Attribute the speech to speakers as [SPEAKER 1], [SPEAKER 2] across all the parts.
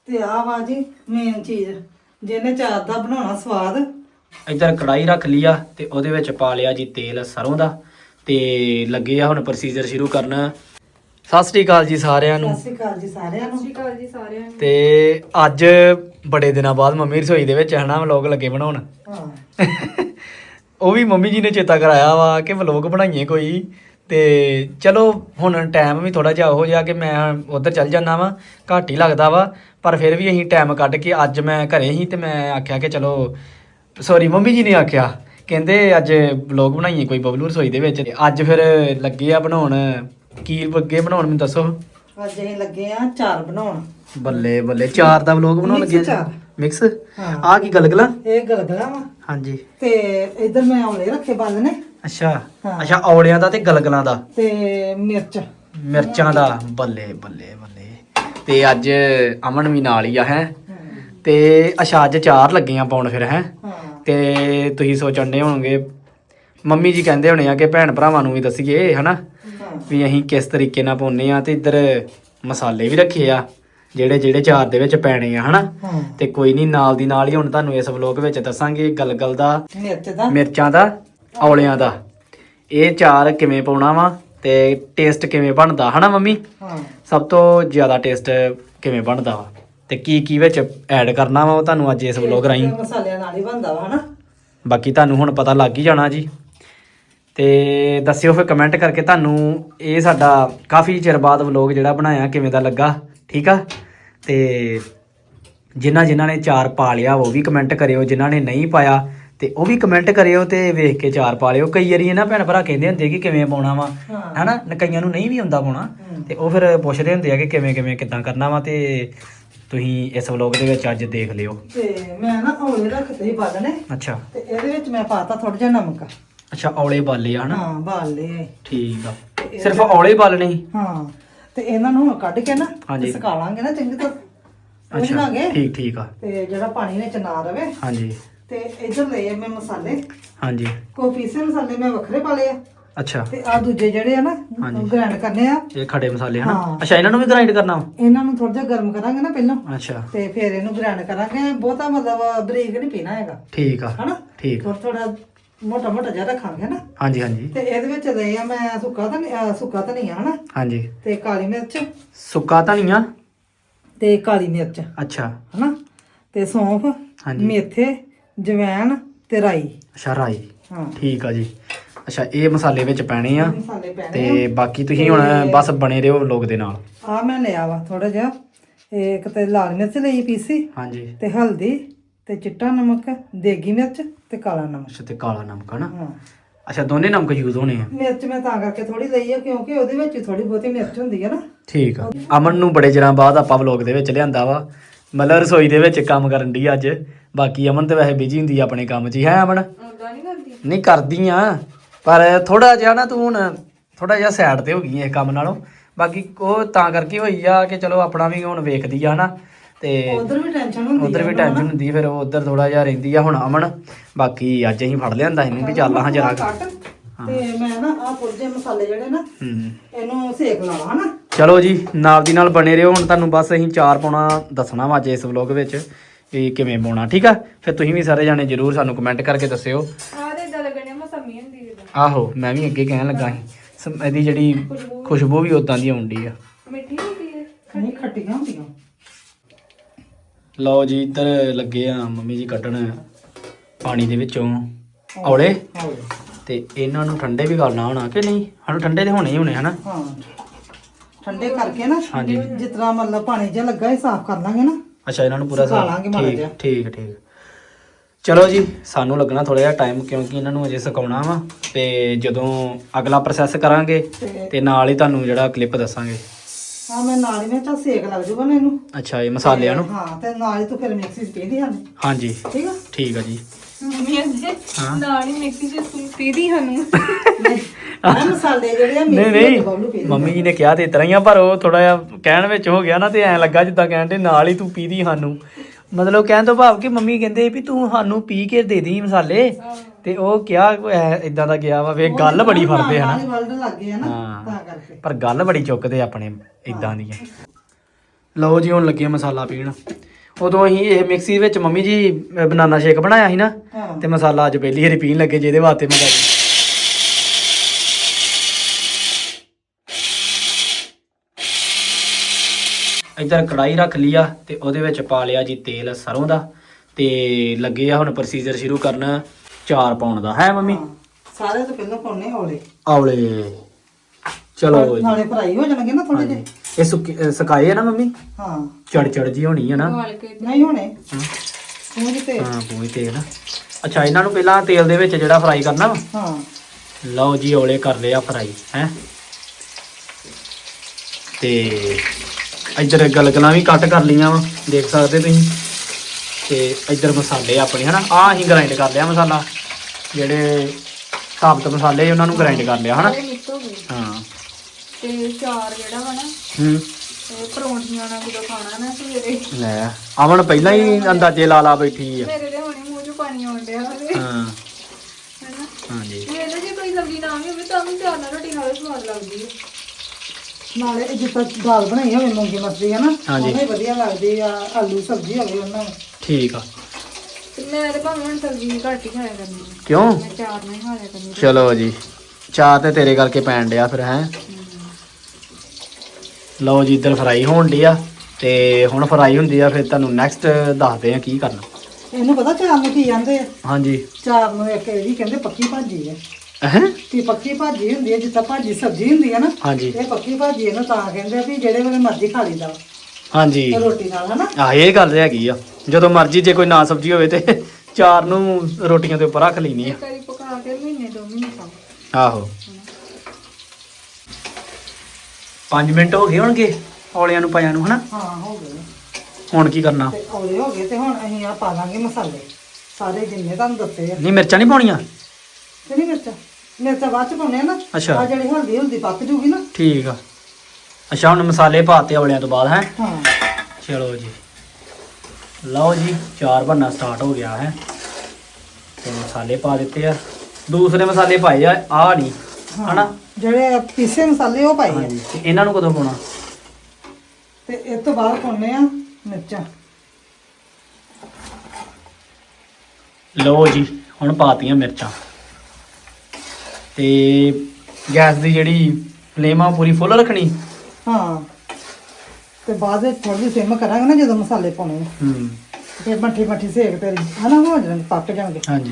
[SPEAKER 1] ਤੇ ਆਹ ਵਾ ਜੀ ਮੇਨ ਚੀਜ਼ ਜਿਹਨੇ ਚਾਰ ਦਾ ਬਣਾਉਣਾ ਸਵਾਦ।
[SPEAKER 2] ਇੱਧਰ ਕੜਾਈ ਰੱਖ ਲਈ ਆ ਤੇ ਉਹਦੇ ਵਿੱਚ ਪਾ ਲਿਆ ਜੀ ਤੇਲ ਸਰੋਂ ਦਾ ਤੇ ਲੱਗੇ ਆ ਹੁਣ ਪ੍ਰੋਸੀਜਰ ਸ਼ੁਰੂ ਕਰਨ। ਸਤਿ ਸ੍ਰੀ ਅਕਾਲ ਜੀ ਸਾਰਿਆਂ ਨੂੰ।
[SPEAKER 1] ਸਤਿ ਸ਼੍ਰੀ ਅਕਾਲ ਜੀ ਸਾਰਿਆਂ ਨੂੰ।
[SPEAKER 2] ਤੇ ਅੱਜ ਬੜੇ ਦਿਨਾਂ ਬਾਅਦ ਮੰਮੀ ਰਸੋਈ ਦੇ ਵਿੱਚ ਹਨਾ ਵਲੌਗ ਲੱਗੇ ਬਣਾਉਣ।
[SPEAKER 1] ਹਾਂ
[SPEAKER 2] ਉਹ ਵੀ ਮੰਮੀ ਜੀ ਨੇ ਚੇਤਾ ਕਰਾਇਆ ਵਾ ਕਿ ਵਲੌਗ ਬਣਾਈਏ ਕੋਈ। ਤੇ ਚਲੋ ਹੁਣ ਟਾਈਮ ਵੀ ਥੋੜਾ ਜਿਹਾ ਉਹੋ ਜਿਹਾ ਕਿ ਮੈਂ ਉਧਰ ਚੱਲ ਜਾਂਦਾ ਵਾ, ਘੱਟ ਹੀ ਲੱਗਦਾ ਵਾ, ਪਰ ਫਿਰ ਵੀ ਅਸੀਂ ਟਾਈਮ ਕੱਢ ਕੇ ਅੱਜ ਮੈਂ ਘਰੇ ਹੀ ਤੇ ਮੈਂ ਆਖਿਆ ਕਿ ਚਲੋ ਸੌਰੀ ਮੰਮੀ ਜੀ ਨੇ ਆਖਿਆ ਕਹਿੰਦੇ ਅੱਜ ਵਲੌਗ ਬਣਾਈਏ ਕੋਈ ਬਬਲੂ ਰਸੋਈ ਦੇ ਵਿੱਚ। ਅੱਜ ਫਿਰ ਲੱਗੇ ਆ ਬਣਾਉਣ। ਕੀ ਲੱਗੇ ਬਣਾਉਣ ਮੈਨੂੰ ਦੱਸੋ।
[SPEAKER 1] ਅੱਜ ਅਸੀਂ ਲੱਗੇ ਆ ਚਾਰ ਬਣਾਉਣ।
[SPEAKER 2] ਬੱਲੇ ਬੱਲੇ ਚਾਰ ਦਾ ਵਲੌਗ ਬਣਾਉਣ ਲੱਗੇ ਆ। ਮਿਕਸ
[SPEAKER 1] ਹਾਂ
[SPEAKER 2] ਆ ਕੀ ਗਲਗਲਾ?
[SPEAKER 1] ਇਹ ਗਲਗਲਾ ਵਾ।
[SPEAKER 2] ਹਾਂਜੀ
[SPEAKER 1] ਤੇ ਇਧਰ ਮੈਂ ਔਲੇ ਰੱਖੇ ਬੰਦ ਨੇ।
[SPEAKER 2] ਅੱਛਾ
[SPEAKER 1] ਹਾਂ।
[SPEAKER 2] ਅੱਛਾ ਔਲਿਆਂ ਦਾ ਤੇ ਗਲਗਲਾਂ ਦਾ
[SPEAKER 1] ਤੇ
[SPEAKER 2] ਮਿਰਚਾਂ ਦਾ। ਬੱਲੇ ਬੱਲੇ ਬੱਲੇ। ਤੇ ਅੱਜ ਅਮਨ ਵੀ ਨਾਲ ਹੀ ਆ ਹੈ। ਤੇ ਅੱਛਾ ਅੱਜ ਚਾਰ ਲੱਗੇ ਆ ਪਾਉਣ ਫਿਰ ਹੈ।
[SPEAKER 1] ਹਾਂ
[SPEAKER 2] ਤੇ ਤੁਸੀਂ ਸੋਚਣ ਦੇ ਹੋਣਗੇ ਮੰਮੀ ਜੀ ਕਹਿੰਦੇ ਹੋਣੇ ਆ ਕਿ ਭੈਣ ਭਰਾਵਾਂ ਨੂੰ ਵੀ ਦੱਸੀਏ ਹਨਾ
[SPEAKER 1] ਹਾਂ
[SPEAKER 2] ਵੀ ਅਸੀਂ ਕਿਸ ਤਰੀਕੇ ਨਾਲ ਪਾਉਂਦੇ ਆ। ਤੇ ਇੱਧਰ ਮਸਾਲੇ ਵੀ ਰੱਖੇ ਆ ਜਿਹੜੇ ਜਿਹੜੇ ਚਾਰ ਦੇ ਵਿੱਚ ਪੈਣੇ ਆ ਹਨਾ।
[SPEAKER 1] ਹਾਂ
[SPEAKER 2] ਤੇ ਕੋਈ ਨਹੀਂ ਨਾਲ ਦੀ ਨਾਲ ਹੀ ਹੁਣ ਤੁਹਾਨੂੰ ਇਸ ਵਲੋਗ ਵਿੱਚ ਦੱਸਾਂਗੇ ਗਲਗਲ ਦਾ, ਮਿਰਚਾਂ ਦਾ, ਔਲਿਆਂ ਦਾ ਇਹ ਚਾਰ ਕਿਵੇਂ ਪਾਉਣਾ ਵਾ ਤੇ ਟੇਸਟ ਕਿਵੇਂ ਬਣਦਾ ਹਨਾ ਮੰਮੀ।
[SPEAKER 1] ਹਾਂ
[SPEAKER 2] ਸਭ ਤੋਂ ਜ਼ਿਆਦਾ ਟੇਸਟ ਕਿਵੇਂ ਬਣਦਾ ਵਾ ਤੇ ਕੀ ਕੀ ਵਿੱਚ ਐਡ ਕਰਨਾ ਵਾ ਉਹ ਤੁਹਾਨੂੰ ਅੱਜ ਇਸ ਵਲੋਗ ਰਾਹੀਂ
[SPEAKER 1] ਮਸਾਲਿਆਂ ਨਾਲ ਹੀ ਬਣਦਾ ਵਾ ਹਨਾ।
[SPEAKER 2] ਬਾਕੀ ਤੁਹਾਨੂੰ ਹੁਣ ਪਤਾ ਲੱਗ ਹੀ ਜਾਣਾ ਜੀ। ਤੇ ਦੱਸਿਓ ਫਿਰ ਕਮੈਂਟ ਕਰਕੇ ਤੁਹਾਨੂੰ ਇਹ ਸਾਡਾ ਕਾਫੀ ਚਿਰ ਬਾਅਦ ਵਲੋਗ ਜਿਹੜਾ ਬਣਾਇਆ ਕਿਵੇਂ ਦਾ ਲੱਗਾ। ਠੀਕ ਆ। ਤੇ ਜਿਨ੍ਹਾਂ ਨੇ ਚਾਰ ਪਾ ਲਿਆ ਉਹ ਵੀ ਕਮੈਂਟ ਕਰਿਓ, ਜਿਨ੍ਹਾਂ ਨੇ ਨਹੀਂ ਪਾਇਆ ਤੇ ਉਹ ਵੀ ਕਮੈਂਟ ਕਰਿਓ ਤੇ ਵੇਖ ਕੇ ਚਾਰ ਪਾ ਲਿਓ। ਕਈ ਵਾਰੀ ਇਹਨਾਂ ਭੈਣ ਭਰਾ ਕਹਿੰਦੇ ਹੁੰਦੇ ਕਿ ਕਿਵੇਂ ਪਾਉਣਾ ਵਾ ਹਨਾ, ਕਈਆਂ ਨੂੰ ਨਹੀਂ ਵੀ ਆਉਂਦਾ ਪਾਉਣਾ ਤੇ ਉਹ ਫਿਰ ਪੁੱਛਦੇ ਹੁੰਦੇ ਆ ਕਿ ਕਿਵੇਂ ਕਿਵੇਂ ਕਿੱਦਾਂ ਕਰਨਾ ਵਾ। ਤੇ ਤੁਸੀਂ ਇਸ ਵਲੋਗ ਦੇ ਵਿੱਚ ਅੱਜ ਦੇਖ ਲਿਓ।
[SPEAKER 1] ਤੇ ਮੈਂ ਨਾ ਔਲੇ ਰੱਖਤੇ ਹੀ ਬਾਲਣੇ।
[SPEAKER 2] ਅੱਛਾ
[SPEAKER 1] ਤੇ ਇਹਦੇ ਵਿੱਚ ਮੈਂ ਪਾਤਾ ਥੋੜਾ ਜਿਹਾ ਨਮਕ।
[SPEAKER 2] ਅੱਛਾ ਔਲੇ ਬਾਲੇ ਆ ਹਨਾ।
[SPEAKER 1] ਹਾਂ ਬਾਲ ਲਏ।
[SPEAKER 2] ਠੀਕ ਆ। ਸਿਰਫ ਔਲੇ ਬਾਲਣੇ ਹੀ?
[SPEAKER 1] ਹਾਂ ਤੇ ਇਹਨਾਂ ਨੂੰ ਹੁਣ ਕੱਢ ਕੇ ਨਾ
[SPEAKER 2] ਹਾਂਜੀ
[SPEAKER 1] ਸੁਕਾ ਲਾਂਗੇ ਨਾ ਚੰਗੀ ਤਰ੍ਹਾਂ।
[SPEAKER 2] ਅੱਛਾ ਠੀਕ ਠੀਕ ਆ।
[SPEAKER 1] ਤੇ ਜਿਹੜਾ ਪਾਣੀ ਵਿੱਚ ਨਾ ਰਵੇ।
[SPEAKER 2] ਹਾਂਜੀ
[SPEAKER 1] ਤੇ ਇਧਰ ਲਏ ਮੈਂ ਮਸਾਲੇ।
[SPEAKER 2] ਹਾਂਜੀ
[SPEAKER 1] ਕੋ ਪੀਸੇ ਮਸਾਲੇ ਮੈਂ ਵੱਖਰੇ ਪਾ ਲਏ ਆ।
[SPEAKER 2] ਅੱਛਾ
[SPEAKER 1] ਤੇ ਆ ਦੂਜੇ ਜਿਹੜੇ ਆ ਨਾ ਗ੍ਰਾਈਂਡ ਕਰਨੇ ਆ।
[SPEAKER 2] ਇਹ ਖੜੇ ਮਸਾਲੇ ਹਨਾ।
[SPEAKER 1] ਹਾਂ।
[SPEAKER 2] ਅੱਛਾ ਇਹਨਾਂ ਨੂੰ ਵੀ ਗ੍ਰਾਈਂਡ ਕਰਨਾ ਵਾ?
[SPEAKER 1] ਇਹਨਾਂ ਨੂੰ ਥੋੜਾ ਜਿਹਾ ਗਰਮ ਕਰਾਂਗੇ ਨਾ ਪਹਿਲਾਂ।
[SPEAKER 2] ਅੱਛਾ
[SPEAKER 1] ਤੇ ਫਿਰ ਇਹਨੂੰ ਗ੍ਰਾਈਂਡ ਕਰਾਂਗੇ। ਬਹੁਤਾ ਮਤਲਬ ਬਰੀਕ ਨਹੀਂ ਪੀਣਾ ਹੈਗਾ।
[SPEAKER 2] ਠੀਕ ਆ
[SPEAKER 1] ਹਨਾ
[SPEAKER 2] ਠੀਕ।
[SPEAKER 1] ਥੋੜਾ ਥੋੜਾ ਮੋਟਾ ਮੋਟਾ ਜਿਹਾ ਰੱਖਾਂਗੇ ਨਾ।
[SPEAKER 2] ਹਾਂਜੀ ਹਾਂਜੀ।
[SPEAKER 1] ਤੇ ਇਹਦੇ ਵਿੱਚ ਲਏ ਆ ਮੈਂ ਸੁੱਕਾ ਧਨੀਆ ਹਨਾ।
[SPEAKER 2] ਹਾਂਜੀ
[SPEAKER 1] ਤੇ ਕਾਲੀ ਮਿਰਚ
[SPEAKER 2] ਸੁੱਕਾ ਧਨੀਆ
[SPEAKER 1] ਤੇ ਕਾਲੀ ਮਿਰਚ
[SPEAKER 2] ਅੱਛਾ
[SPEAKER 1] ਹਨਾ। ਤੇ ਸੌਂਫ,
[SPEAKER 2] ਹਾਂਜੀ
[SPEAKER 1] ਮੇਥੇ, ਜਵੈਣ ਤੇ ਰਾਈ।
[SPEAKER 2] ਅੱਛਾ ਰਾਈ।
[SPEAKER 1] ਹਾਂ
[SPEAKER 2] ਠੀਕ ਆ ਜੀ। ਅੱਛਾ ਇਹ ਮਸਾਲੇ ਵਿੱਚ ਪੈਣੇ ਆ
[SPEAKER 1] ਮਸਾਲੇ ਪੈਣੇ
[SPEAKER 2] ਤੇ ਬਾਕੀ ਤੁਸੀਂ ਹੁਣ ਬਸ ਬਣੇ ਰਹੋ ਵਲੋਗ ਦੇ ਨਾਲ।
[SPEAKER 1] ਆ ਮੈਂ ਲਿਆ ਵਾ ਥੋੜਾ ਜਿਹਾ ਇੱਕ ਤੇ ਲਾਲ ਮਿਰਚ ਲਈ ਪੀਸੀ
[SPEAKER 2] ਹਾਂਜੀ
[SPEAKER 1] ਤੇ ਹਲਦੀ ਤੇ ਚਿੱਟਾ ਨਮਕ, ਦੇਗੀ ਮਿਰਚ ਤੇ ਕਾਲਾ ਨਮਕ।
[SPEAKER 2] ਅੱਛਾ ਤੇ ਕਾਲਾ ਨਮਕ ਹਨਾ।
[SPEAKER 1] ਹਾਂ
[SPEAKER 2] ਅੱਛਾ ਦੋਨੇ ਨਮਕ ਯੂਜ਼ ਹੋਣੇ ਆ?
[SPEAKER 1] ਮਿਰਚ ਮੈਂ ਤਾਂ ਕਰਕੇ ਥੋੜੀ ਲਈ ਆ ਕਿਉਂਕਿ ਉਹਦੇ ਵਿੱਚ ਥੋੜੀ ਬਹੁਤੀ ਮਿਰਚ ਹੁੰਦੀ ਹੈ ਨਾ।
[SPEAKER 2] ਠੀਕ ਆ। ਅਮਨ ਨੂੰ ਬੜੇ ਚਿਰਾਂ ਬਾਅਦ ਆਪਾਂ ਵਲੋਗ ਦੇ ਵਿੱਚ ਲਿਆਂਦਾ ਵਾ, ਮਤਲਬ ਰਸੋਈ ਦੇ ਵਿੱਚ ਕੰਮ ਕਰਨ ਦੀ ਅੱਜ। ਬਾਕੀ ਅਮਨ ਤੇ ਵੈਸੇ ਬਿਜੀ ਹੁੰਦੀ ਆ ਆਪਣੇ ਕੰਮ 'ਚ ਹੀ ਹੈ ਅਮਨ? ਨਹੀਂ ਕਰਦੀ ਆ ਪਰ ਥੋੜਾ ਜਿਹਾ ਨਾ ਤੂੰ ਹੁਣ ਥੋੜਾ ਜਿਹਾ ਸਾਈਡ ਤੇ ਹੋ ਗਈ ਇਸ ਕੰਮ ਨਾਲੋਂ। ਬਾਕੀ ਉਹ ਤਾਂ ਕਰਕੇ ਹੋਈ ਆ ਕਿ ਚਲੋ ਆਪਣਾ ਵੀ ਹੁਣ ਵੇਖਦੀ ਆ ਨਾ ਤੇ
[SPEAKER 1] ਉਧਰ ਵੀ ਟੈਨਸ਼ਨ ਹੁੰਦੀ
[SPEAKER 2] ਉਧਰ ਵੀ ਟੈਨਸ਼ਨ ਹੁੰਦੀ ਫਿਰ ਉਹ ਉਧਰ ਥੋੜਾ ਜਿਹਾ ਰਹਿੰਦੀ ਆ ਹੁਣ ਅਮਨ। ਬਾਕੀ ਅੱਜ ਅਸੀਂ ਫੜ ਲਿਆਂਦਾ ਇਹਨੂੰ ਵੀ ਚੱਲ ਹਾਂ ਜਰਾ।
[SPEAKER 1] ਤੇ ਮੈਂ ਨਾ ਆ ਥੋੜੇ ਜਿਹੇ ਮਸਾਲੇ ਜਿਹੜੇ ਨਾ ਇਹਨੂੰ ਸੇਕ ਲਾਵਾਂ ਹਨਾ।
[SPEAKER 2] ਚਲੋ ਜੀ ਨਾਲ ਦੀ ਨਾਲ ਬਣੇ ਰਹੋ। ਹੁਣ ਤੁਹਾਨੂੰ ਬਸ ਅਸੀਂ ਚਾਰ ਪਾਉਣਾ ਦੱਸਣਾ ਵਾ ਅੱਜ ਇਸ ਵਲੋਗ ਵਿੱਚ ਵੀ ਕਿਵੇਂ ਪਾਉਣਾ। ਠੀਕ ਆ। ਫਿਰ ਤੁਸੀਂ ਵੀ ਸਾਰੇ ਜਾਣੇ ਜਰੂਰ ਸਾਨੂੰ ਕਮੈਂਟ ਕਰਕੇ ਦੱਸਿਓ। ਆਹੋ ਮੈਂ ਵੀ ਅੱਗੇ ਕਹਿਣ ਲੱਗਾ ਸੀ ਇਹਦੀ ਜਿਹੜੀ ਖੁਸ਼ਬੂ ਵੀ ਉਦਾਂ ਦੀ ਆਉਂਦੀ ਆ।
[SPEAKER 1] ਮਿੱਠੀ ਹੁੰਦੀ ਹੈ ਨਹੀਂ ਖੱਟੀਆਂ ਹੁੰਦੀਆਂ।
[SPEAKER 2] ਲਓ ਜੀ ਇੱਧਰ ਲੱਗੇ ਆ ਮੰਮੀ ਜੀ ਕੱਢਣ ਪਾਣੀ ਦੇ ਵਿੱਚੋਂ ਔਲੇ ਤੇ ਇਹਨਾਂ ਨੂੰ ਠੰਡੇ ਵੀ ਕਰਨਾ ਹੋਣਾ ਕਿ ਨਹੀਂ? ਸਾਨੂੰ ਠੰਡੇ ਤੇ ਹੋਣੇ ਹੀ ਹੋਣੇ ਹਨਾ।
[SPEAKER 1] ਹਾਂ ਠੰਡੇ ਕਰਕੇ ਨਾ
[SPEAKER 2] ਹਾਂਜੀ
[SPEAKER 1] ਜਿਸ ਤਰ੍ਹਾਂ ਮਤਲਬ ਪਾਣੀ ਜਿਹਾ ਲੱਗਾ ਹੀ ਸਾਫ਼ ਕਰ ਲਾਂਗੇ ਨਾ।
[SPEAKER 2] ਅੱਛਾ ਇਹਨਾਂ ਨੂੰ ਪੂਰਾ
[SPEAKER 1] ਸੁਕਾ ਲਾਂਗੇ ਮਾੜਾ ਜਿਹਾ।
[SPEAKER 2] ਠੀਕ ਠੀਕ। ਚਲੋ ਜੀ ਸਾਨੂੰ ਲੱਗਣਾ ਥੋੜਾ ਜਿਹਾ ਟਾਈਮ ਕਿਉਂਕਿ ਇਹਨਾਂ ਨੂੰ ਅਜੇ ਸੁਕਾਉਣਾ ਵਾ ਤੇ ਜਦੋਂ ਅਗਲਾ ਪ੍ਰੋਸੈਸ ਕਰਾਂਗੇ ਤੇ ਨਾਲ ਹੀ ਤੁਹਾਨੂੰ ਜਿਹੜਾ ਕਲਿੱਪ ਦੱਸਾਂਗੇ।
[SPEAKER 1] ਹਾਂ ਮੈਂ ਨਾਲ ਹੀ ਮੈਂ ਸੇਕ ਲੱਗ ਜੂਗਾ ਨਾ ਇਹਨੂੰ।
[SPEAKER 2] ਅੱਛਾ ਇਹ ਮਸਾਲਿਆਂ ਨੂੰ?
[SPEAKER 1] ਹਾਂ ਤੇ ਨਾਲ ਹੀ ਤੂੰ ਫਿਰ ਮਿਕਸੀ 'ਚ ਪੀ ਦੀ ਸਾਨੂੰ।
[SPEAKER 2] ਹਾਂਜੀ
[SPEAKER 1] ਠੀਕ ਆ
[SPEAKER 2] ਠੀਕ ਆ ਜੀ।
[SPEAKER 3] ਨਾਲ ਹੀ ਮਿਕਸੀ 'ਚ ਪੀਦੀ ਸਾਨੂੰ।
[SPEAKER 1] ਆਹ ਮਸਾਲੇ ਜਿਹੜੇ ਆ
[SPEAKER 2] ਨਹੀਂ ਮੰਮੀ ਜੀ ਨੇ ਕਿਹਾ ਤੇ ਇਤਰਾ ਹੀ ਆ ਪਰ ਉਹ ਥੋੜਾ ਜਿਹਾ ਕਹਿਣ ਵਿੱਚ ਹੋ ਗਿਆ ਨਾ ਤੇ ਐਂ ਲੱਗਾ ਜਿੱਦਾਂ ਕਹਿੰਦੇ ਨਾਲ ਹੀ ਤੂੰ ਪੀਦੀ ਸਾਨੂੰ। ਮਤਲਬ ਕਹਿਣ ਤੋਂ ਭਾਵ ਕਿ ਮੰਮੀ ਕਹਿੰਦੇ ਵੀ ਤੂੰ ਸਾਨੂੰ ਪੀ ਕੇ ਦੇ ਦੀ ਮਸਾਲੇ ਤੇ ਉਹ ਕਿਹਾ ਇਦਾਂ ਦਾ ਗਿਆ ਵਾ। ਵੇ ਗੱਲ ਬੜੀ ਫੜਦੇ ਹਨਾ। ਹਾਂ ਪਰ ਗੱਲ ਬੜੀ ਚੁੱਕਦੇ ਆਪਣੇ ਇਦਾਂ ਦੀਆਂ। ਲਓ ਜੀ ਹੁਣ ਲੱਗੇ ਮਸਾਲਾ ਪੀਣ ਉਦੋਂ ਅਸੀਂ ਇਹ ਮਿਕਸੀ ਵਿੱਚ ਮੰਮੀ ਜੀ ਬਨਾਨਾ ਸ਼ੇਕ ਬਣਾਇਆ ਸੀ ਨਾ
[SPEAKER 1] ਹਾਂ
[SPEAKER 2] ਤੇ ਮਸਾਲਾ ਅੱਜ ਪਹਿਲੀ ਵਾਰੀ ਪੀਣ ਲੱਗੇ ਜਿਹਦੇ ਵਾਸਤੇ ਮੈਂ ਕਰ ਇੱਧਰ ਕੜਾਈ ਰੱਖ ਲਈ ਆ ਤੇ ਉਹਦੇ ਵਿੱਚ ਪਾ ਲਿਆ ਜੀ ਤੇਲ ਸਰੋਂ ਦਾ ਤੇ ਲੱਗੇ ਆ ਹੁਣ ਪ੍ਰੋਸੀਜਰ ਸ਼ੁਰੂ ਕਰਨ ਚਾਰ ਪਾਉਣ ਦਾ ਹੈ ਮੰਮੀ
[SPEAKER 1] ਹਾਂ। ਸਾਰੇ ਤੋਂ ਪਹਿਲਾਂ ਪਾਉਣੇ ਹੌਲੇ
[SPEAKER 2] ਆਵਲੇ ਚਲੋ ਜੀ
[SPEAKER 1] ਨਾਲੇ ਫਰਾਈ ਹੋ ਜਾਣਗੇ ਨਾ ਥੋੜੇ ਜਿਹੇ
[SPEAKER 2] ਇਹ ਸੁੱਕੇ ਸੁਕਾਏ ਆ ਨਾ ਮੰਮੀ
[SPEAKER 1] ਹਾਂ
[SPEAKER 2] ਚੜ ਜੀ ਹੋਣੀ ਆ ਨਾ
[SPEAKER 3] ਵਾਲ ਕੇ
[SPEAKER 1] ਨਹੀਂ ਹੋਣੇ
[SPEAKER 2] ਹਾਂ।
[SPEAKER 1] ਪੂਰੀ ਤੇ
[SPEAKER 2] ਹਾਂ ਪੂਰੀ ਤੇਲ ਅੱਛਾ ਇਹਨਾਂ ਨੂੰ ਪਹਿਲਾਂ ਤੇਲ ਦੇ ਵਿੱਚ ਜਿਹੜਾ ਫਰਾਈ ਕਰਨਾ ਵਾ
[SPEAKER 1] ਹਾਂ
[SPEAKER 2] ਲਓ ਜੀ ਔਲੇ ਕਰ ਲਿਆ ਫਰਾਈ ਹੈ ਤੇ ਇੱਧਰ ਗਲਗਲਾਂ ਵੀ ਕੱਟ ਕਰ ਲੀਆਂ ਵਾ ਦੇਖ ਸਕਦੇ ਤੁਸੀਂ ਤੇ ਇੱਧਰ ਮਸਾਲੇ ਆਪਣੇ ਹਨਾ ਆ ਅਸੀਂ ਗ੍ਰਾਈਂਡ ਕਰ ਲਿਆ ਮਸਾਲਾ ਜਿਹੜੇ ਸਾਬਤ ਮਸਾਲੇ ਉਹਨਾਂ ਨੂੰ ਗ੍ਰਾਈਂਡ ਕਰ ਲਿਆ ਹਨਾ
[SPEAKER 3] ਮਿਕਸ ਹੋ ਗਈ
[SPEAKER 2] ਹਾਂ
[SPEAKER 3] ਤੇ ਚਾਰ ਜਿਹੜਾ ਵਾ ਨਾ
[SPEAKER 2] ਹੂੰ
[SPEAKER 3] ਇਹ ਪਰੌਂਠੀਆਂ ਨਾਲ ਜਦੋਂ ਖਾਣਾ ਨਾ ਸਵੇਰੇ
[SPEAKER 2] ਲੈ ਅਮਨ ਪਹਿਲਾਂ ਹੀ ਅੰਦਾਜ਼ੇ ਲਾ ਬੈਠੀ ਆ
[SPEAKER 3] ਮੇਰੇ ਦੇ ਹੁਣੇ ਮੂੰਹ 'ਚ ਪਾਣੀ ਆਉਣ ਡਿਆ ਹੋਵੇ
[SPEAKER 2] ਹਾਂ
[SPEAKER 3] ਹੈਨਾ
[SPEAKER 2] ਹਾਂਜੀ
[SPEAKER 3] ਮੇਰੇ ਜੇ ਕੋਈ ਸਬਜ਼ੀ ਨਾ ਵੀ ਹੋਵੇ ਤਾਂ ਵੀ ਚਾਰ ਨਾਲ ਰੋਟੀ ਖਾਵੇ ਸਵਾਦ ਲੱਗਦੀ ਹੈ
[SPEAKER 1] ਨਾਲੇ ਇਹ ਜਿੱਦਾਂ ਦਾਲ ਬਣਾਈ ਹੋਵੇ ਮੂੰਗੀ ਮਸਰੀ ਹੈ ਨਾ
[SPEAKER 2] ਹਾਂਜੀ।
[SPEAKER 1] ਉਹ ਵੀ ਵਧੀਆ ਲੱਗਦੀ ਆ ਆਲੂ ਸਬਜ਼ੀ ਹੋਵੇ ਉਹਨਾਂ ਨੂੰ
[SPEAKER 2] ਠੀਕ ਆ
[SPEAKER 3] ਤੇ ਮੈਂ ਤੇ ਭਾਵੇਂ ਹੁਣ ਸਬਜ਼ੀ ਘੱਟ ਹੀ ਖਾਇਆ ਕਰਨੀ ਆ।
[SPEAKER 2] ਕਿਉਂ
[SPEAKER 3] ਮੈਂ ਚਾਰ ਨਹੀਂ ਖਾ ਲਿਆ ਕਰਨੀ
[SPEAKER 2] ਚਲੋ ਜੀ ਚਾਹ ਤੇ ਤੇਰੇ ਕਰਕੇ ਪੈਣ ਡਿਆ ਫਿਰ ਹੈ ਲਓ ਜੀ ਇੱਧਰ ਫਰਾਈ ਹੋਣ ਡਈ ਆ ਤੇ ਹੁਣ ਫਰਾਈ ਹੁੰਦੀ ਆ ਫਿਰ ਤੁਹਾਨੂੰ ਨੈਕਸਟ ਦੱਸਦੇ ਆ ਕੀ ਕਰਨਾ
[SPEAKER 1] ਇਹਨੂੰ ਪਤਾ ਚਾਰ ਨੂੰ ਕੀ ਜਾਂਦੇ ਆ
[SPEAKER 2] ਹਾਂਜੀ
[SPEAKER 1] ਚਾਰ ਨੂੰ ਇੱਕ ਇਹ ਵੀ ਕਹਿੰਦੇ ਪੱਕੀ ਭਾਜੀ ਹੈ
[SPEAKER 2] ਹੈ
[SPEAKER 1] ਕਿ ਪੱਕੀ ਭਾਜੀ ਹੁੰਦੀ ਹੈ ਜਿੱਦਾਂ ਭਾਜੀ ਸਬਜ਼ੀ ਹੁੰਦੀ ਹੈ ਨਾ
[SPEAKER 2] ਹਾਂਜੀ
[SPEAKER 1] ਇਹ ਪੱਕੀ ਭਾਜੀ ਇਹਨੂੰ ਤਾਂ ਕਹਿੰਦੇ ਆ ਵੀ ਜਿਹੜੇ ਵੇਲੇ ਮਰਜ਼ੀ ਖਾ ਲਈਦਾ ਵਾ,
[SPEAKER 2] ਹਾਂਜੀ
[SPEAKER 1] ਰੋਟੀ ਨਾਲ ਹਨਾ
[SPEAKER 2] ਆ ਇਹ ਗੱਲ ਹੈਗੀ ਆ ਜਦੋਂ ਮਰਜ਼ੀ ਜੇ ਕੋਈ ਨਾ ਸਬਜ਼ੀ ਹੋਵੇ ਤੇ ਚਾਰ ਨੂੰ ਰੋਟੀਆਂ ਦੇ ਉੱਪਰ ਰੱਖ ਲੈਣੀ ਆ
[SPEAKER 3] ਇੱਕ ਵਾਰੀ ਪਕਾ ਕੇ ਮਹੀਨੇ 2 ਮਹੀਨੇ ਖਾਓ
[SPEAKER 2] ਆਹੋ 5 ਮਿੰਟ ਹੋ ਗਏ ਹੋਣਗੇ ਔਲਿਆਂ ਨੂੰ ਪਾਇਆਂ ਨੂੰ ਹਨਾ
[SPEAKER 1] ਹਾਂ ਹੋ ਗਏ
[SPEAKER 2] ਹੁਣ ਕੀ ਕਰਨਾ
[SPEAKER 1] ਤੇ ਔਲੇ ਹੋ ਗਏ ਤੇ ਹੁਣ ਅਸੀਂ ਆ ਪਾ ਦਾਂਗੇ ਮਸਾਲੇ ਸਾਰੇ ਜਿੰਨੇ ਤੁਹਾਨੂੰ ਦੱਸੇ ਆ
[SPEAKER 2] ਨਹੀਂ ਮਿਰਚਾਂ ਨਹੀਂ ਪਾਉਣੀਆਂ
[SPEAKER 1] ਤੇ ਨਹੀਂ ਮਿਰਚਾਂ ਬਾਅਦ ਚ ਪਾਉਣੇ ਆ ਨਾ
[SPEAKER 2] ਅੱਛਾ।
[SPEAKER 1] ਆ ਜਿਹੜੀ ਹਲਦੀ ਪੱਕ ਜੂਗੀ ਨਾ
[SPEAKER 2] ਠੀਕ ਆ ਅੱਛਾ ਹੁਣ ਮਸਾਲੇ ਪਾਤੇ ਔਲਿਆਂ ਤੋਂ ਬਾਅਦ ਹੈ
[SPEAKER 1] ਹਾਂ
[SPEAKER 2] ਚਲੋ ਜੀ ਲਓ ਜੀ ਚਾਰ ਬਣਨਾ ਸਟਾਰਟ ਹੋ ਗਿਆ ਹੈ ਤੇ ਮਸਾਲੇ ਪਾ ਦਿੱਤੇ ਆ ਦੂਸਰੇ ਮਸਾਲੇ ਪਾਏ ਆ ਆਹ ਨਹੀਂ ਹਨਾ
[SPEAKER 1] ਜਿਹੜੇ ਪੀਸੇ ਮਸਾਲੇ ਉਹ ਪਾਏ ਆ
[SPEAKER 2] ਹਾਂਜੀ ਤੇ ਇਹਨਾਂ ਨੂੰ ਕਦੋਂ ਪਾਉਣਾ
[SPEAKER 1] ਤੇ ਇਸ ਤੋਂ ਬਾਅਦ ਪਾਉਣੇ ਆ ਮਿਰਚਾਂ
[SPEAKER 2] ਲਓ ਜੀ ਹੁਣ ਪਾਤੀਆਂ ਮਿਰਚਾਂ ਤੇ ਗੈਸ ਦੀ ਜਿਹੜੀ ਫਲੇਮ ਆ ਉਹ ਪੂਰੀ ਫੁੱਲ ਰੱਖਣੀ
[SPEAKER 1] ਹਾਂ ਤੇ ਬਾਅਦ ਵਿੱਚ ਥੋੜੀ ਸਿਮ ਕਰਾਂਗੇ ਨਾ ਜਦੋਂ ਮਸਾਲੇ ਪਾਉਣੇ ਆ
[SPEAKER 2] ਹੂੰ
[SPEAKER 1] ਫਿਰ ਮੱਠੀ ਮੱਠੀ ਸੇਕ ਤੇਰੀ ਹਨਾ ਹੋ ਜਾਣਗੇ ਪੱਕ ਜਾਣਗੇ
[SPEAKER 2] ਹਾਂਜੀ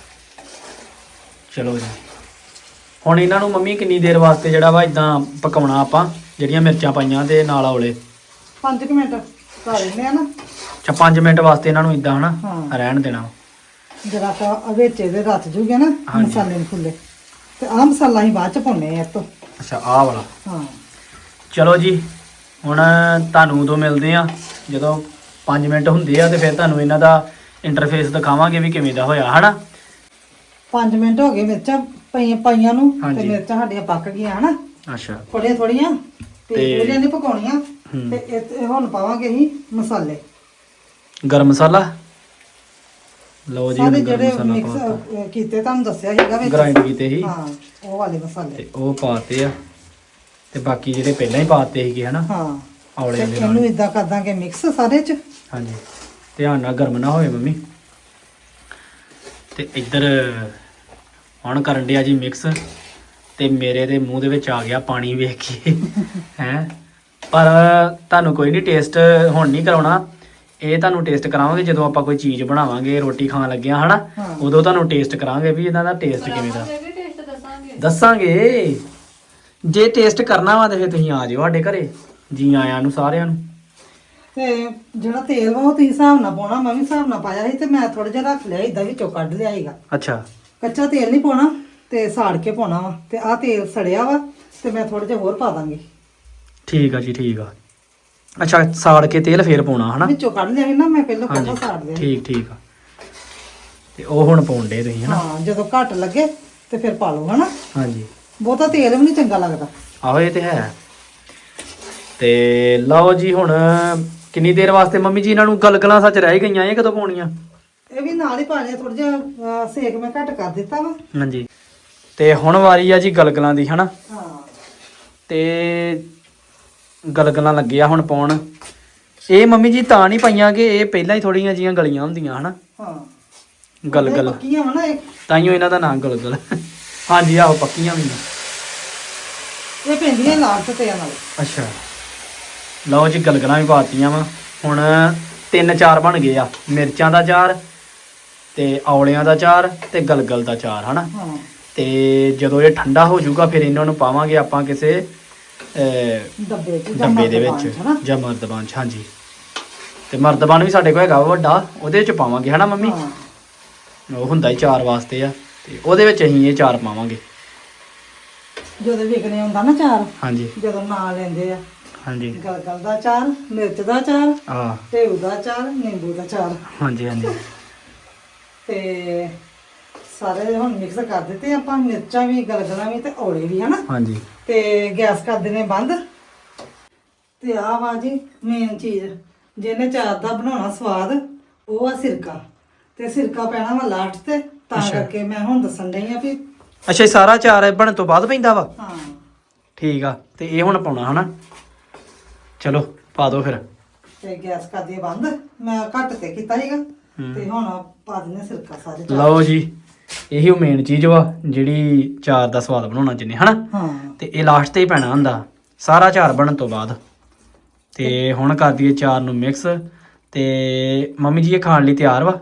[SPEAKER 2] ਚਲੋ ਜੀ ਹੁਣ ਇਹਨਾਂ ਨੂੰ ਮੰਮੀ ਕਿੰਨੀ ਦੇਰ ਵਾਸਤੇ ਜਿਹੜਾ ਵਾ ਇਦਾਂ ਪਕਾਉਣਾ ਆਪਾਂ ਜਿਹੜੀਆਂ ਮਿਰਚਾਂ ਪਾਈਆਂ ਤੇ ਨਾਲ ਔਲੇ
[SPEAKER 1] 5 ਮਿੰਟ ਕਰ ਲੈਂਦੇ ਆ ਨਾ
[SPEAKER 2] ਅੱਛਾ 5 ਮਿੰਟ ਵਾਸਤੇ ਇਹਨਾਂ ਨੂੰ ਇਦਾਂ ਹਨਾ
[SPEAKER 1] ਹਾਂ।
[SPEAKER 2] ਰਹਿਣ ਦੇਣਾ
[SPEAKER 1] ਜਰਾ ਕਾ ਵਿੱਚ ਇਹਦੇ ਰੱਤ ਜੂਗੇ ਨਾ
[SPEAKER 2] ਹਾਂਜੀ।
[SPEAKER 1] ਮਸਾਲੇ ਨੂੰ ਫੁੱਲੇ ਤੇ ਆਹ ਮਸਾਲਾ ਹੀ ਬਾਅਦ ਚ ਪਾਉਣੇ ਆ ਇਹ ਤੋਂ
[SPEAKER 2] ਅੱਛਾ ਆਹ ਵਾਲਾ
[SPEAKER 1] ਹਾਂ
[SPEAKER 2] ਚਲੋ ਜੀ ਹੁਣ ਤੁਹਾਨੂੰ ਉਦੋਂ ਮਿਲਦੇ ਆ ਜਦੋਂ 5 ਮਿੰਟ ਹੁੰਦੇ ਆ ਤੇ ਫਿਰ ਤੁਹਾਨੂੰ ਇਹਨਾਂ ਦਾ ਇੰਟਰਫੇਸ ਦਿਖਾਵਾਂਗੇ ਵੀ ਕਿਵੇਂ ਦਾ ਹੋਇਆ ਹਨਾ
[SPEAKER 1] 5 ਮਿੰਟ ਹੋ ਗਏ ਮਿਰਚਾਂ ਪਾਈਆਂ ਨੂੰ ਤੇ
[SPEAKER 2] ਹਾਂਜੀ।
[SPEAKER 1] ਮਿਰਚਾਂ ਸਾਡੀਆਂ ਪੱਕ ਗਈਆਂ ਹਨਾ
[SPEAKER 2] ਅੱਛਾ
[SPEAKER 1] ਥੋੜੀਆਂ ਥੋੜੀਆਂ ਤੇ
[SPEAKER 2] ਤੇ-
[SPEAKER 1] ਉਹਦੀਆਂ ਨਹੀਂ ਪਕਾਉਣੀਆਂ
[SPEAKER 2] ਹੂੰ।
[SPEAKER 1] ਤੇ ਇਹ ਹੁਣ ਪਾਵਾਂਗੇ ਅਸੀਂ ਮਸਾਲੇ
[SPEAKER 2] ਗਰਮ ਮਸਾਲਾ ਲਓ ਜੀ
[SPEAKER 1] ਸਾਰੇ
[SPEAKER 2] ਹੁਣ ਗਰਮ
[SPEAKER 1] ਜਿਹੜੇ
[SPEAKER 2] ਮਸਾਲਾ
[SPEAKER 1] ਮਿਕਸ
[SPEAKER 2] ਪਾਤਾ
[SPEAKER 1] ਕੀਤੇ ਤੁਹਾਨੂੰ ਦੱਸਿਆ ਸੀਗਾ ਵਿੱਚ
[SPEAKER 2] ਗ੍ਰਾਈਂਡ ਕੀਤੇ ਸੀ
[SPEAKER 1] ਹਾਂ ਉਹ ਵਾਲੇ ਮਸਾਲੇ
[SPEAKER 2] ਤੇ ਉਹ ਪਾਤੇ ਆ ਤੇ ਬਾਕੀ ਜਿਹੜੇ ਪਹਿਲਾਂ ਹੀ ਪਾਤੇ ਸੀਗੇ ਹਨਾ
[SPEAKER 1] ਹਾਂ
[SPEAKER 2] ਔਲੇ
[SPEAKER 1] ਤੇ
[SPEAKER 2] ਦੇ ਨਾਲ
[SPEAKER 1] ਇਹਨੂੰ ਇਦਾਂ ਕਰ ਦਾਂਗੇ ਮਿਕਸ ਸਾਰੇ ਚ
[SPEAKER 2] ਹਾਂਜੀ ਧਿਆਨ ਨਾਲ ਗਰਮ ਨਾ ਹੋਵੇ ਮੰਮੀ ਤੇ ਇੱਧਰ ਹੁਣ ਕਰਨ ਡਿਆ ਜੀ ਮਿਕਸ ਤੇ ਮੇਰੇ ਦੇ ਮੂੰਹ ਦੇ ਵਿੱਚ ਆ ਗਿਆ ਪਾਣੀ ਵੇਖ ਕੇ ਹੈ ਪਰ ਤੁਹਾਨੂੰ ਕੋਈ ਨਹੀਂ ਟੇਸਟ ਹੁਣ ਨਹੀਂ ਕਰਾਉਣਾ ਇਹ ਤੁਹਾਨੂੰ ਟੇਸਟ ਕਰਾਵਾਂਗੇ ਜਦੋਂ ਆਪਾਂ ਕੋਈ ਚੀਜ਼ ਬਣਾਵਾਂਗੇ ਰੋਟੀ ਖਾਣ ਲੱਗਿਆ ਹਨਾ
[SPEAKER 1] ਹਾਂ।
[SPEAKER 2] ਉਦੋਂ ਤੁਹਾਨੂੰ ਟੇਸਟ ਕਰਾਂਗੇ ਵੀ ਇਹਨਾਂ ਦਾ ਟੇਸਟ ਕਿਵੇਂ ਦਾ
[SPEAKER 3] ਇਹ ਵੀ ਟੇਸਟ ਦੱਸਾਂਗੇ
[SPEAKER 2] ਦੱਸਾਂਗੇ ਜੇ ਟੇਸਟ ਕਰਨਾ ਵਾ ਤੇ ਫਿਰ ਤੁਸੀਂ ਆ ਜਾਓ ਸਾਡੇ ਘਰੇ ਜੀ ਆਇਆਂ ਨੂੰ ਸਾਰਿਆਂ ਨੂੰ
[SPEAKER 1] ਤੇ ਜਿਹੜਾ ਤੇਲ ਵਾ ਉਹ ਤੁਸੀਂ ਹਿਸਾਬ ਨਾਲ ਪਾਉਣਾ ਮੈਂ ਵੀ ਹਿਸਾਬ ਨਾਲ ਪਾਇਆ ਸੀ ਤੇ ਮੈਂ ਥੋੜਾ ਜਿਹਾ ਰੱਖ ਲਿਆ ਇਦਾਂ ਵਿੱਚੋਂ ਕੱਢ ਲਿਆ ਸੀਗਾ
[SPEAKER 2] ਅੱਛਾ
[SPEAKER 1] ਕੱਚਾ ਤੇਲ ਨਹੀਂ ਪਾਉਣਾ ਤੇ ਸਾੜ ਕੇ ਪਾਉਣਾ ਵਾ ਤੇ ਆਹ ਤੇਲ ਸੜਿਆ ਵਾ ਤੇ ਮੈਂ ਥੋੜਾ ਜਿਹਾ ਹੋਰ ਪਾ ਦਾਂਗੀ
[SPEAKER 2] ਠੀਕ ਆ ਜੀ ਠੀਕ ਆ ਅੱਛਾ ਸਾੜ ਕੇ ਤੇਲ ਫੇਰ ਪਾਉਣਾ ਹਨਾ
[SPEAKER 1] ਵਿੱਚੋਂ ਕੱਢ ਲਿਆ ਸੀ ਨਾ ਮੈਂ ਪਹਿਲਾਂ
[SPEAKER 2] ਹਾਂਜੀ
[SPEAKER 1] ਕੱਚਾ ਸਾੜ ਲਿਆ ਸੀ।
[SPEAKER 2] ਠੀਕ ਠੀਕ ਆ ਤੇ ਉਹ ਹੁਣ ਪਾਉਂਦੇ ਤੁਸੀਂ ਹਨਾ
[SPEAKER 1] ਹਾਂ ਜਦੋਂ ਘੱਟ ਲੱਗੇ ਤੇ ਫਿਰ ਪਾ ਲਓ ਹਨਾ
[SPEAKER 2] ਹਾਂਜੀ
[SPEAKER 1] ਬਹੁਤਾ ਤੇਲ ਵੀ ਨਹੀਂ ਚੰਗਾ ਲੱਗਦਾ
[SPEAKER 2] ਆਹੋ ਇਹ ਤੇ ਹੈ ਤੇ ਲਓ ਜੀ ਹੁਣ ਕਿੰਨੀ ਦੇਰ ਵਾਸਤੇ ਮੰਮੀ ਜੀ ਇਹਨਾਂ ਨੂੰ ਗਲਗਲਾਂ ਸੱਚ ਰਹਿ ਗਈਆਂ ਇਹ ਕਦੋਂ ਪਾਉਣੀਆਂ
[SPEAKER 1] ਇਹ ਵੀ ਨਾਲ ਹੀ ਪਾ ਲਿਆ ਥੋੜਾ ਜਿਹਾ ਸੇਕ ਮੈਂ ਘੱਟ ਕਰ ਦਿੱਤਾ ਵਾ
[SPEAKER 2] ਹਾਂਜੀ ਤੇ ਹੁਣ ਵਾਰੀ ਆ ਜੀ ਗਲਗਲਾਂ ਦੀ ਹਨਾ
[SPEAKER 1] ਹਾਂ
[SPEAKER 2] ਤੇ ਗਲਗਲਾਂ ਲੱਗਿਆ ਹੁਣ ਪਾਉਣ ਇਹ ਮੰਮੀ ਜੀ ਤਾਂ ਨਹੀਂ ਪਾਈਆਂ ਕਿ ਇਹ ਪਹਿਲਾਂ ਹੀ ਥੋੜੀਆਂ ਜੀਆਂ ਗਲੀਆਂ ਹੁੰਦੀਆਂ ਹਨਾ
[SPEAKER 1] ਹਾਂ
[SPEAKER 2] ਗਲਗਲ
[SPEAKER 1] ਪੱਕੀਆਂ ਵਾ ਨਾ ਇਹ
[SPEAKER 2] ਤਾਈਓ ਇਹਨਾਂ ਦਾ ਨਾਮ ਗਲਗਲ ਹਾਂਜੀ ਆਹੋ ਪੱਕੀਆਂ ਵੀ ਨੇ
[SPEAKER 1] ਇਹ ਪੈਂਦੀਆਂ ਲਾਸਟ ਤੇ ਨਾਲ
[SPEAKER 2] ਅੱਛਾ ਲਓ ਜੀ ਗਲਗਲਾਂ ਵੀ ਪਾਤੀਆਂ ਵਾ ਹੁਣ 3-4 ਬਣ ਗਏ ਆ ਮਿਰਚਾਂ ਦਾ ਚਾਰ ਤੇ ਔਲਿਆਂ ਦਾ ਚਾਰ ਤੇ ਗਲਗਲ ਦਾ ਚਾਰ ਹਨਾ
[SPEAKER 1] ਹਾਂ
[SPEAKER 2] ਤੇ ਜਦੋਂ ਇਹ ਠੰਡਾ ਹੋ ਜਾਊਗਾ ਫਿਰ ਇਹਨਾਂ ਨੂੰ ਪਾਵਾਂਗੇ ਆਪਾਂ ਕਿਸੇ
[SPEAKER 1] ਡੱਬੇ ਚ ਜਾਂ
[SPEAKER 2] ਡੱਬੇ ਦੇ
[SPEAKER 1] ਮਰਤਬਾਨ
[SPEAKER 2] ਵਿੱਚ
[SPEAKER 1] ਚ, ਹਨਾ
[SPEAKER 2] ਜਾਂ ਮਰਦਬਾਨ ਚ ਹਾਂਜੀ ਤੇ ਮਰਦਬਾਨ ਵੀ ਸਾਡੇ ਕੋਲ ਹੈਗਾ ਵਾ ਵੱਡਾ ਉਹਦੇ ਵਿੱਚ ਪਾਵਾਂਗੇ ਹਨਾ ਮੰਮੀ
[SPEAKER 1] ਹਾਂ
[SPEAKER 2] ਉਹ ਹੁੰਦਾ ਹੀ ਚਾਰ ਵਾਸਤੇ ਆ ਤੇ ਉਹਦੇ ਵਿੱਚ ਅਸੀਂ ਇਹ ਚਾਰ ਪਾਵਾਂਗੇ
[SPEAKER 1] ਜਦੋਂ ਵਿਕਣੇ ਹੁੰਦਾ ਨਾ ਚਾਰ
[SPEAKER 2] ਹਾਂਜੀ
[SPEAKER 1] ਜਦੋਂ ਨਾਂ ਲੈਂਦੇ ਆ
[SPEAKER 2] ਹਾਂਜੀ
[SPEAKER 1] ਗਲਗਲ ਦਾ ਚਾਰ ਮਿਰਚ ਦਾ ਚਾਰ
[SPEAKER 2] ਆ
[SPEAKER 1] ਢੇਊ ਦਾ ਚਾਰ ਨਿੰਬੂ ਦਾ ਚਾਰ
[SPEAKER 2] ਹਾਂਜੀ ਹਾਂਜੀ
[SPEAKER 1] ਤੇ ਸਾਰੇ ਹੁਣ ਮਿਕਸ ਕਰ ਦਿੱਤੇ ਆਪਾਂ ਮਿਰਚਾਂ ਵੀ ਗਲਗਲਾਂ ਵੀ ਤੇ ਔਲੇ ਵੀ ਹਨਾ
[SPEAKER 2] ਹਾਂਜੀ
[SPEAKER 1] ਤੇ ਗੈਸ ਕਰ ਦਿੰਦੇ ਬੰਦ ਤੇ ਆਹ ਵਾ ਜੀ ਮੇਨ ਚੀਜ਼ ਜਿਹਨੇ ਚਾਰ ਦਾ ਬਣਾਉਣਾ ਸਵਾਦ ਉਹ ਆ ਸਿਰਕਾ ਤੇ ਸਿਰਕਾ ਪੈਣਾ ਵਾ ਲਾਸਟ ਤੇ ਤਾਂ
[SPEAKER 2] ਅੱਛਾ।
[SPEAKER 1] ਕਰਕੇ ਮੈਂ ਹੁਣ ਦੱਸਣ ਡਈ ਆ ਵੀ
[SPEAKER 2] ਅੱਛਾ ਇਹ ਸਾਰਾ ਚਾਰ ਬਣਨ ਤੋਂ ਬਾਅਦ ਪੈਂਦਾ ਵਾ
[SPEAKER 1] ਹਾਂ
[SPEAKER 2] ਠੀਕ ਆ ਤੇ ਇਹ ਹੁਣ ਪਾਉਣਾ ਹਨਾ ਚਲੋ ਪਾ ਦਿਓ ਫਿਰ
[SPEAKER 1] ਤੇ ਗੈਸ ਕਰ ਦਈਏ ਬੰਦ ਮੈਂ ਘੱਟ ਤੇ ਕੀਤਾ ਸੀਗਾ ਤੇ ਹੁਣ ਪਾ ਦਿੰਦੇ ਸਿਰਕਾ ਸਾਰੇ ਚਾਰ।
[SPEAKER 2] ਲਓ ਜੀ ਇਹੀ ਉਹ ਮੇਨ ਚੀਜ਼ ਵਾ ਜਿਹੜੀ ਚਾਰ ਦਾ ਸਵਾਦ ਬਣਾਉਣਾ ਜਿੰਨੇ ਹਨਾ
[SPEAKER 1] ਹਾਂ
[SPEAKER 2] ਤੇ ਇਹ ਲਾਸਟ ਤੇ ਹੀ ਪੈਣਾ ਹੁੰਦਾ ਸਾਰਾ ਚਾਰ ਬਣਨ ਤੋਂ ਬਾਅਦ ਤੇ ਹੁਣ ਕਰ ਦਈਏ ਚਾਰ ਨੂੰ ਮਿਕਸ ਤੇ ਮੰਮੀ ਜੀ ਇਹ ਖਾਣ ਲਈ ਤਿਆਰ ਵਾ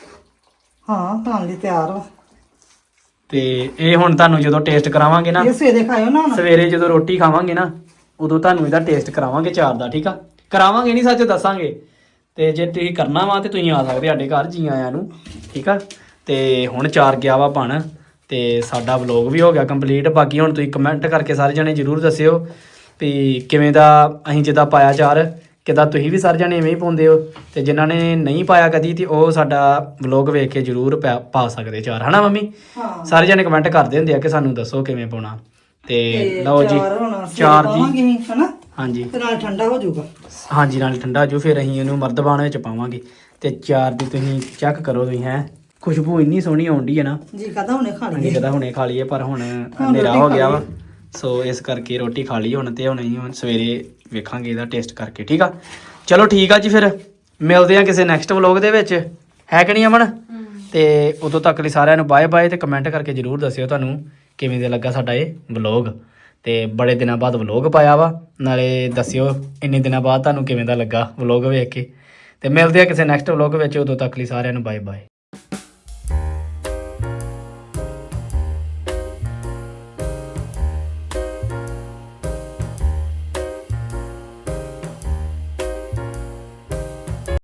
[SPEAKER 1] ਹਾਂ ਖਾਣ ਲਈ ਤਿਆਰ ਵਾ
[SPEAKER 2] ਤੇ ਇਹ ਹੁਣ ਤੁਹਾਨੂੰ ਜਦੋਂ ਟੇਸਟ ਕਰਾਵਾਂਗੇ ਨਾ
[SPEAKER 1] ਇਹ ਸਵੇਰੇ ਖਾਇਓ ਨਾ ਹੁਣ
[SPEAKER 2] ਸਵੇਰੇ ਜਦੋਂ ਰੋਟੀ ਖਾਵਾਂਗੇ ਨਾ ਉਦੋਂ ਤੁਹਾਨੂੰ ਇਹਦਾ ਟੇਸਟ ਕਰਾਵਾਂਗੇ ਚਾਰ ਦਾ ਠੀਕ ਆ ਕਰਾਵਾਂਗੇ ਨਹੀਂ ਸੱਚ ਦੱਸਾਂਗੇ ਤੇ ਜੇ ਤੁਸੀਂ ਕਰਨਾ ਵਾ ਤੇ ਤੁਸੀਂ ਆ ਸਕਦੇ ਸਾਡੇ ਘਰ ਜੀ ਆਇਆਂ ਨੂੰ ਠੀਕ ਆ ਤੇ ਹੁਣ ਚਾਰ ਗਿਆ ਵਾ ਬਣ ਤੇ ਸਾਡਾ ਵਲੌਗ ਵੀ ਹੋ ਗਿਆ ਕੰਪਲੀਟ ਬਾਕੀ ਹੁਣ ਤੁਸੀਂ ਕਮੈਂਟ ਕਰਕੇ ਸਾਰੇ ਜਣੇ ਜਰੂਰ ਦੱਸਿਓ ਵੀ ਕਿਵੇਂ ਦਾ ਅਸੀਂ ਜਿੱਦਾਂ ਪਾਇਆ ਚਾਰ ਕਿੱਦਾਂ ਤੁਸੀਂ ਵੀ ਸਾਰੇ ਜਣੇ ਐਵੇਂ ਹੀ ਪਾਉਂਦੇ ਹੋ ਤੇ ਜਿਨ੍ਹਾਂ ਨੇ ਨਹੀਂ ਪਾਇਆ ਕਦੀ ਤੇ ਉਹ ਸਾਡਾ ਵਲੌਗ ਵੇਖ ਕੇ ਜਰੂਰ ਪਾ ਸਕਦੇ ਚਾਰ ਹਨਾ ਮੰਮੀ
[SPEAKER 1] ਹਾਂ
[SPEAKER 2] ਸਾਰੇ ਜਣੇ ਕਮੈਂਟ ਕਰਦੇ ਹੁੰਦੇ ਆ ਕਿ ਸਾਨੂੰ ਦੱਸੋ ਕਿਵੇਂ ਪਾਉਣਾ ਤੇ ਲਓ ਜੀ
[SPEAKER 1] ਚਾਰ ਹੁਣ
[SPEAKER 2] ਚਾਰ
[SPEAKER 1] ਚਾਰ
[SPEAKER 2] ਜੀ
[SPEAKER 1] ਜੀ ਹਨਾ
[SPEAKER 2] ਹਾਂਜੀ
[SPEAKER 1] ਤੇ ਨਾਲ ਠੰਡਾ ਹੋ ਜਾਊਗਾ
[SPEAKER 2] ਹਾਂਜੀ ਨਾਲ ਠੰਡਾ ਜੋ ਫਿਰ ਅਸੀਂ ਇਹਨੂੰ ਮਰਦਬਾਨ ਵਿੱਚ ਪਾਵਾਂਗੇ ਤੇ ਚਾਰ ਦੀ ਤੁਸੀਂ ਚੈੱਕ ਕਰੋ ਤੁਸੀਂ ਹੈ ਖੁਸ਼ਬੂ ਇੰਨੀ ਸੋਹਣੀ ਆਉਂਦੀ ਹੈ ਨਾ
[SPEAKER 1] ਜੀ ਕਹਦਾ ਹੁਣੇ ਖਾ
[SPEAKER 2] ਅਸੀਂ
[SPEAKER 1] ਲਈਏ
[SPEAKER 2] ਕਦਾ ਹੁਣੇ ਖਾ ਲਈਏ ਪਰ ਹੁਣ
[SPEAKER 1] ਹੁਣ
[SPEAKER 2] ਹਨੇਰਾ
[SPEAKER 1] ਰੋਟੀ
[SPEAKER 2] ਹੋ
[SPEAKER 1] ਖਾ
[SPEAKER 2] ਗਿਆ ਵਾ
[SPEAKER 1] ਲਈਏ।
[SPEAKER 2] ਸੋ ਇਸ ਕਰਕੇ ਰੋਟੀ ਖਾ ਲਈ ਹੁਣ ਤੇ ਹੁਣ ਅਸੀਂ ਹੁਣ ਸਵੇਰੇ ਵੇਖਾਂਗੇ ਇਹਦਾ ਟੇਸਟ ਕਰਕੇ ਠੀਕ ਆ ਚਲੋ ਠੀਕ ਆ ਜੀ ਫਿਰ ਮਿਲਦੇ ਆ ਕਿਸੇ ਨੈਕਸਟ ਵਲੌਗ ਦੇ ਵਿੱਚ ਹੈ ਕਿ ਨਹੀਂ ਅਮਨ ਤੇ ਉਦੋਂ ਤੱਕ ਲਈ ਸਾਰਿਆਂ ਨੂੰ ਬਾਏ ਬਾਏ ਤੇ ਕਮੈਂਟ ਕਰਕੇ ਜਰੂਰ ਦੱਸਿਓ ਤੁਹਾਨੂੰ ਕਿਵੇਂ ਦਾ ਲੱਗਾ ਸਾਡਾ ਇਹ ਵਲੌਗ ਤੇ ਬੜੇ ਦਿਨਾਂ ਬਾਅਦ ਵਲੌਗ ਪਾਇਆ ਵਾ ਨਾਲੇ ਦੱਸਿਓ ਇੰਨੇ ਦਿਨਾਂ ਬਾਅਦ ਤੁਹਾਨੂੰ ਕਿਵੇਂ ਦਾ ਲੱਗਾ ਵਲੌਗ ਵੇਖ ਕੇ ਤੇ ਮਿਲਦੇ ਆ ਕਿਸੇ ਨੈਕਸਟ ਵਲੌਗ ਵਿੱਚ ਉਦੋਂ ਤੱਕ ਲਈ ਸਾਰਿਆਂ ਨੂੰ ਬਾਏ ਬਾਏ